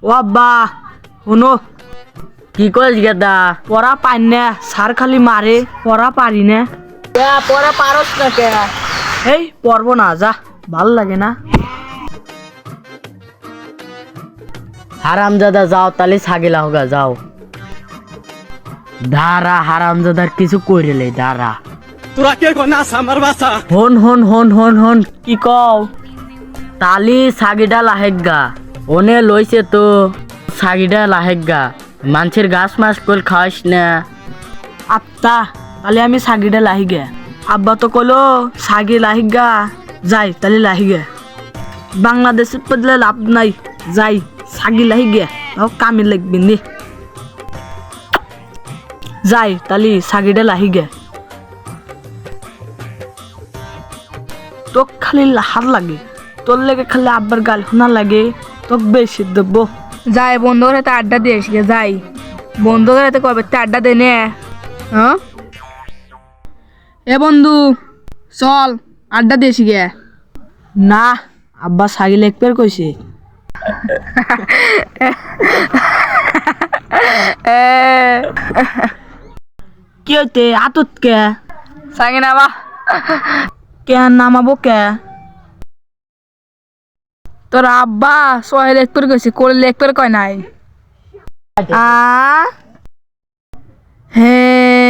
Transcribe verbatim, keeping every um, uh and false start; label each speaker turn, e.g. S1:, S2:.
S1: ও আব্বা শুনো
S2: কি কইস গেদা?
S1: পড়া পাই না, স্যার খালি মারে, পড়া পারি না।
S2: পড়া পারস না কে?
S1: এই পড়বো না, যা, ভাল লাগে না।
S2: হারামজাদা যাও তাহলে ছাগিলা হোগা যাও। দাঁড়া হারামজাদার কিছু কইরেলে দাঁড়া।
S3: তোরা কে গনাস আমার বাসা?
S2: হন হন হন হন হন
S1: কি কও?
S2: তালি ছাগিটা লাহেগা ওনে লইছে তো ছাগিটা লাহেগা মানুষের গাছ মাছ কল খাওয়াইস না।
S1: আত্মা তাহলে আমি সাগিটা লাহি গে। আব্বা তো কলো সাগি লাহি গা, যাই তাহলে লাহি গে। বাংলাদেশে পড়লে লাভ নাই, যাই সাগি লাহি গে, তাও কামে লাগবে নি। যাই তাহলে সাগিটা লাহি গে। তোক খালি লাহার লাগে, তোর লেগে খালি আব্বার গাল শোনা লাগে, তোক বেশি দেব।
S4: যাই বন্ধুর হাতে আড্ডা দিয়ে এসে যাই। বন্ধুদের হাতে কবে তে আড্ডা দে নে। হ্যাঁ এ বন্ধু চল আড্ডা দিয়ে এসে গে।
S1: না আব্বা সাগি লেখপের কইছে। কি হইতে আতত কে?
S4: সাঙ্গে না বা
S1: কে নামাবো কে?
S4: তোর আব্বা সহে লেখপের কইছে, কোলে লেখপের কয় নাই।
S1: আ
S4: হে